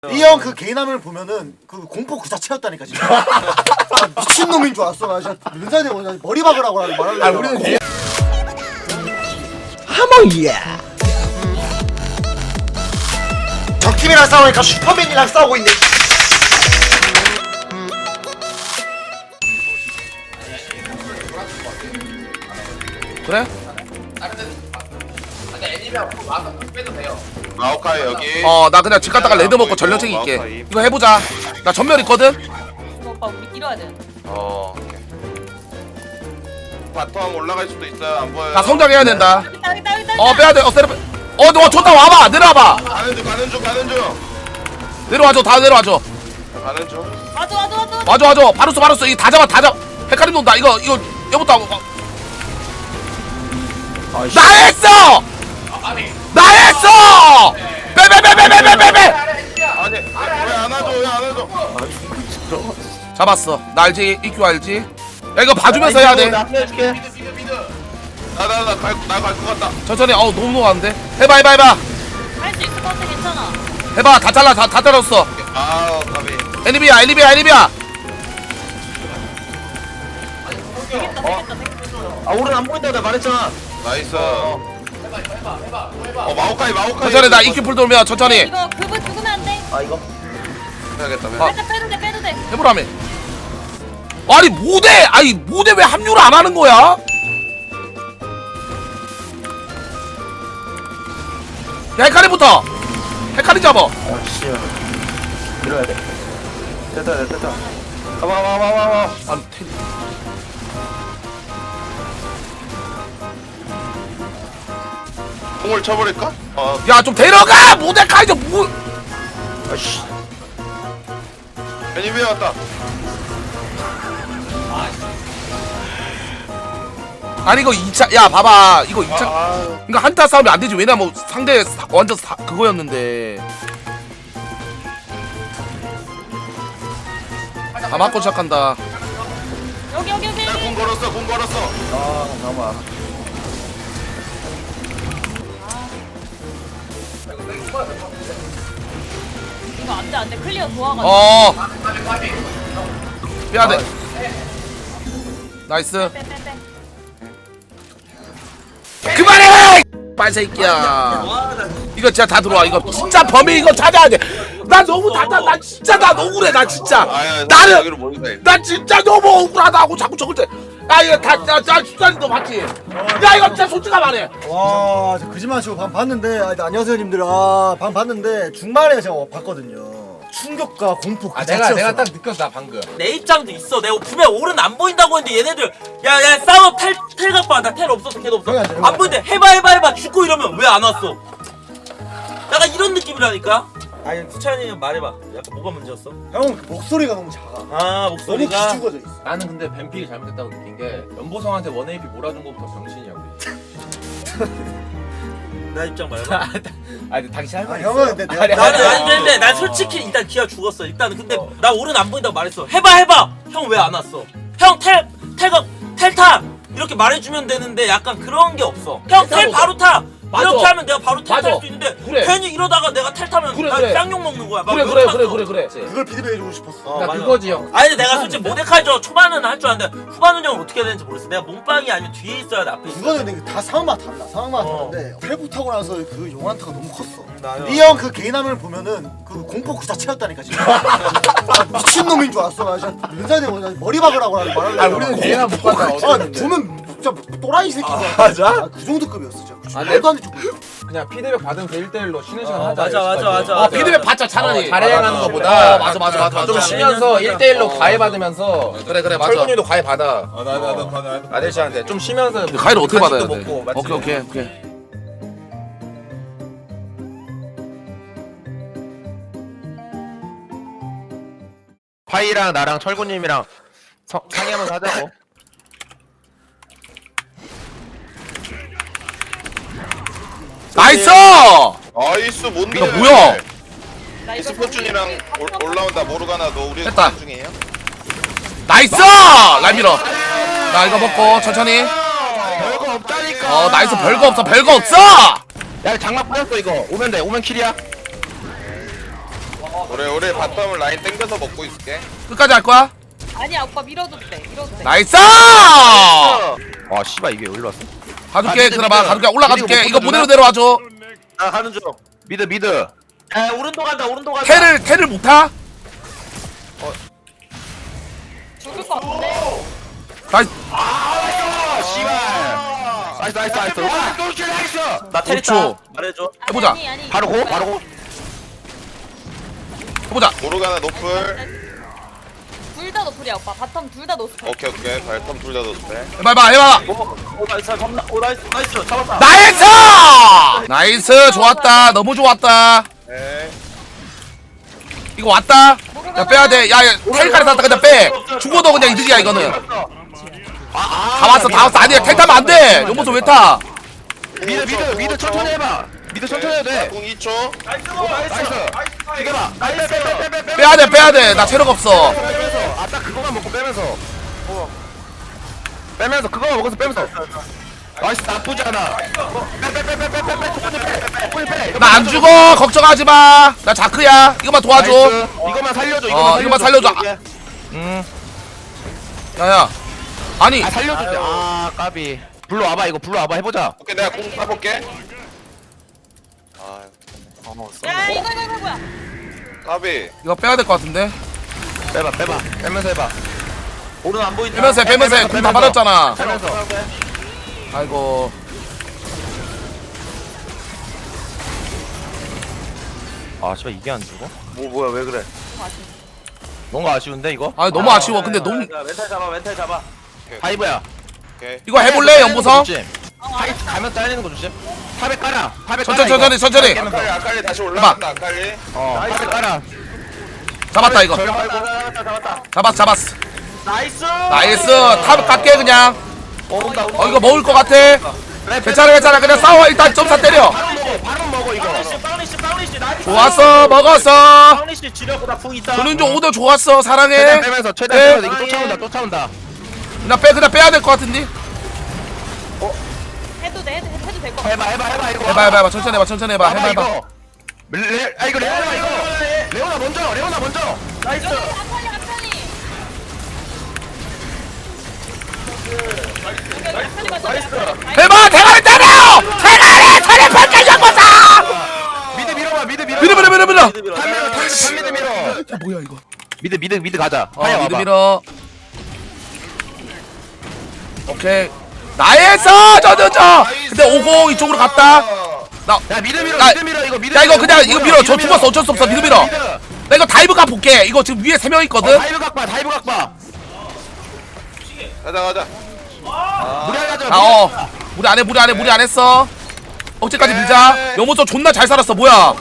이 형 그 개인함을 보면은 그 공포 그 자체였다니까 진짜. 아, 미친놈인 줄 알았어. 나 진짜 면사에 대고 머리 박으라고 말하려고. 아 우리는 개... 하몽이야. 적팀이랑 싸우니까 슈퍼맨이랑 싸우고 있네. 그래? 마오카이 여기. 나 그냥 집 갔다가 레드 먹고 전력 챙길게. 이거 해보자. 나 전멸 있거든? 오빠 우리 이뤄야 돼. 바텀 올라갈 수도 있어요. 안 보여요. 나 성장해야 된다. 여기다. 빼야돼. 세레 너 좋다. 와봐. 내려와봐. 가는 중. 내려와줘. 다 내려와줘. 가는 중. 와줘. 바루스. 이거 다 잡아. 헷갈림 돈다. 이거 여보다. 나 했어! 빼! 아니 왜 안 와줘? 잡았어. 나 알지? EQ 알지? 야 이거 봐주면서 해야 돼. 나갈 것 같다. 천천히. 너무 녹았는데. 해봐. 할 수 있을 것 같아. 괜찮아. 해봐. 다 잘라. 다 잘랐어. 가비. 애니비야. 되겠다. 오른 안 보인다 나 말했잖아. 나이스. 마오카이. 천천히. 나 EQ 풀 돌면 천천히. 이거 그분 죽으면 안 돼. 이거 해야겠다. 살짝 빼도 돼. 해보라며. 아니 모대 왜 합류를 안 하는 거야? 야 헤카리부터. 헤카리 잡아. 씨. 밀어야 돼. 됐다. 와. 아니 공을 쳐버릴까? 야좀 데려가. 모데카이 좀 아씨. 애니비에 왔다. 아니 이거 2차. 야 봐봐. 이거 2차. 그러니까 한타 싸움이 안 되지. 왜냐면 상대 완전 그거였는데. 다 맞고 시작한다. 여기. 공 걸었어. 잠깐만. 이거 안 돼. 클리어 도와가지고. 빼야돼. 나이스. 빼. 그만해! 빨새끼야. 이거 진짜 다 들어와. 이거 진짜 범인 이거 찾아야 돼. 나 너무 나 진짜 나 억울해. 나 진짜. 나 진짜 너무 억울하다고 자꾸 저걸 때. 야 이거 다 주사님 너 봤지? 야 이거 진짜 솔직히 말해. 와, 저 거짓말 치고 방 봤는데, 안녕하세요 님들. 방 봤는데 중반에 제가 봤거든요. 충격과 공포 그 자체였어. 내가 딱 느꼈다 방금. 내 입장도 있어. 내가 분명 오른 안 보인다고 했는데 얘네들 야 싸워 텔 갖고 와. 나 텔 없어서 걔도 없어. 형이 안 돼, 안 보이는데 해봐 죽고 이러면 왜 안 왔어? 약간 이런 느낌이라니까. 아니 수찬이 형 말해봐. 약간 뭐가 문제였어? 형 목소리가 너무 작아. 아 너무 목소리가. 기죽어져 있어. 나는 근데 뱀픽이 잘못됐다고 느낀 게 연보성한테 원AP 몰아준 것부터 병신이야 우리. 나 입장 말해봐. 아니 당신 할 말 있어. 형은 근데 내가 나는 근데 난 솔직히 일단 기아 죽었어. 일단은 근데 나 오른 안 보인다고 말했어. 해봐. 형 왜 안 왔어? 형 텔 타. 이렇게 말해주면 되는데 약간 그런 게 없어. 형 텔 바로 타. 맞아. 이렇게 하면 내가 바로 텔 탈 맞아. 수 있는데 그래. 괜히 이러다가 내가 텔 타면 그래, 나 그래. 쌍욕 먹는 거야. 막 그래. 그걸 피드백해주고 싶었어. 나 맞아. 그거지 형. 아니 근데 내가 솔직히 모데카이 초반은 할 줄 아는데 후반 운영을 어떻게 해야 되는지 모르겠어. 내가 몸빵이 아니면 뒤에 있어야 돼 앞에 있어. 그거는 근데 다 상황마다 달라. 상황마다 다른데 탈부 타고 나서 그 용한타가 너무 컸어. 이 이 형 그 개인함을 보면은 그 공포 그 자체였다니까 진짜. 아, 미친놈인 줄 알았어. 나 진짜 면사에 대고 머리 박으라고 말하려고. 아 우리는 개나 못 간다. 보면 진짜 또라이 새끼가. 맞아? 그 정도급이었어 진짜. 아, 말도 안 돼. 그냥 피드백 받으면서 1대1로 쉬는 시간 하자. 맞아. 여기까지. 피드백 받자 차라리. 잘해가는 거보다 맞아. 좀 쉬면서 1대1로 과외 받으면서 그래 맞아. 철근이도 과외 받아. 나도 아저씨한테 좀 쉬면서 가위를 어떻게 받아야 간식도 돼? 먹고, 맞지? 오케이. 파이랑 나랑 철구님이랑 상의하면서 하자고. 나이스! 나이스 뭔데? 이거 뭐야? 나 이거 스포츠이랑 올라온다. 모르가나도 우리 됐다. 중이에요? 나이스! 라인 밀어. 나 이거 먹고 천천히. 별거 없다니까. 나이스. 별거 없어! 야 장막 빠졌어 이거. 오면 돼. 오면 킬이야. 우리 바텀을 라인 땡겨서 먹고 있을게. 끝까지 할 거야? 아니야 오빠 밀어도 돼. 밀어도 돼. 나이스! 아 씨발 이게 여기로 왔어? 가줄게 미드, 그나마 미드. 가줄게 올라가줄게 미드 이거 못 무대로 보여주나? 내려와줘. 나 가는 중. 미드. 에 오른쪽 간다 오른쪽 간다. 테를 못 타? 죽을 것 같은데. 나이스. 씨발. 나이스. 와 똘끼 나이스. 나 테리타 5초. 말해줘. 해보자. 아니. 바로 고. 해보자. 모르가나 노플. 둘다 노플이야 오빠. 바텀 둘 다 노플. 오케이 발텀 둘 다 넣었대. 해봐봐. 오 나이스 잡나. 오 나이스 잡았다. 나이스! 나이스 좋았다. 너무 좋았다. 네. 이거 왔다. 야 빼야돼. 야 텔까지 탔다 그냥 빼. 죽어도 그냥 이득이야 이거는. 다 왔어. 아니야 텔 타면 안돼. 연보소 왜 타? 미드 천천히 해봐. 미드 천천히 해도 돼. 공 2초. 나이스. 이겨봐. 빼야돼. 나 체력 없어. 아딱 그거만 먹고 빼면서. 빼면서 그거만 먹어서 빼면서. 나이스 나쁘지 않아. 빼. 나 안 죽어. 걱정하지 마. 나 자크야. 이거만 도와줘. 이거만 살려줘. 이거만 살려줘. 야야. 아니. 살려줘. 아 까비. 불러 와봐 이거 불러 와봐 해보자. 오케이 내가 공 따볼게. 아 야 이거 뭐야? 까비. 이거 빼야 될 것 같은데. 빼봐. 빼면서 해봐. 오른 안 보인다. 빼면서 해. 공 다 받았잖아. 빼면서. 아이고. 아 씨발 이게 안 죽어? 뭐야 왜 그래? 뭔가 아쉬운데 이거? 아 너무 아쉬워. 근데 너무 멘탈 잡아. 하이브야. 오케이. 이거 해볼래 연보성? 하이 가면 잘리는 거 조심. 탑에 깔아. 천천히. 아칼리 다시 올라간다 아칼리. 탑에 깔아. 잡았다 이거. 잡았어. 나이스. 나이스. 탑 깎게 그냥. 이거 먹을 것 같아. 괜찮아. 그냥 싸워. 일단 점사 때려. 바로 먹어 이거. 파우니시 나이스. 좋았어. 먹었어. 파우니시 지려보다 풍 있다. 조는종 오더 좋았어. 사랑해. 최대한 빼면서 네. 이거 쫓아온다. 그냥 빼야 될 것 같은데. 해도 될 것 같아. 해봐 이거. 해봐. 천천히 해봐. 해봐. 이거. 이거 레오나 이거. 레오나 먼저. 나이스. 아칼리. 해봐. 대가리 때려. 대가리 팔까지 잡았어. 미드 밀어봐. 밀어. 탑 미드 밀어. 야 뭐야 이거. 미드 가자. 하야 미드 와봐. 밀어. 오케이. 나에서 저저저. 근데 50 이쪽으로 갔다. 야 미드 밀어. 이거 미드. 야 이거 그냥 이거 밀어. 저 죽었어. 어쩔 수 없어. 미드 밀어. 나 이거 다이브 각 볼게. 이거 지금 위에 3명 있거든. 다이브 각 봐. 가자. 무리 하자. 무리 안 했어. 억제까지 밀자. 영모서 존나 잘 살았어. 뭐야?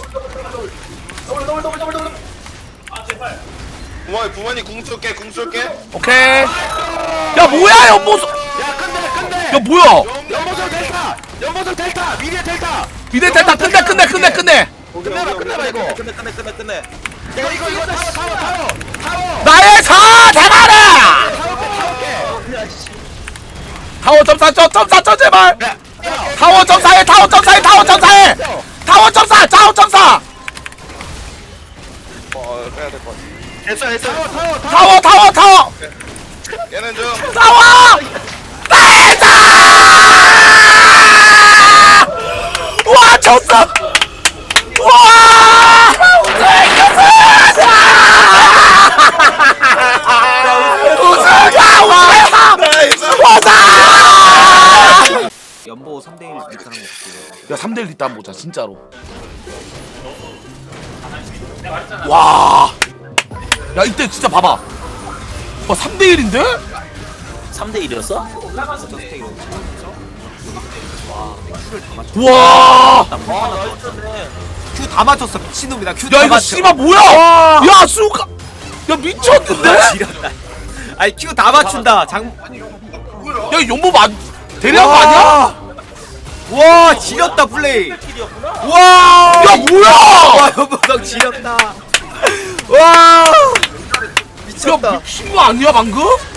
부모님 궁 쏠게. 오케이. 야 뭐야 영모서. 야 끝내. 야 뭐야? 연보성 델타. 미디어 델타. 미드 델타 끝내. 끝내봐 이거. 끝내. 야 이거 타워. 나의 사 대가리. 타워 점사 제발. 타워 점사해. 타워 점사. 빼야 될 것 같아. 됐어. 타워. 얘는 좀. 타워. 나이스. 와 졌어. 와. 우승아 와. 연보 3대1 이 사람 없어. 야 3대1 있다 한번 보자 진짜로. 와. 야 이때 진짜 봐봐. 와 3대1인데? 3대1이었어? 와. 큐 다 맞췄어 미친놈이다. 큐 야 다 이거 맞춰. 씨발 뭐야? 야 수가. 야 미쳤는데? 지렸다. 아니 큐 다 맞춘다. 야 용모 안 대리한 거 아니야? 와 지렸다 플레이. 와. 야 뭐야? 와 연보성 지렸다. 와. 야 미친 거 아니야 방금?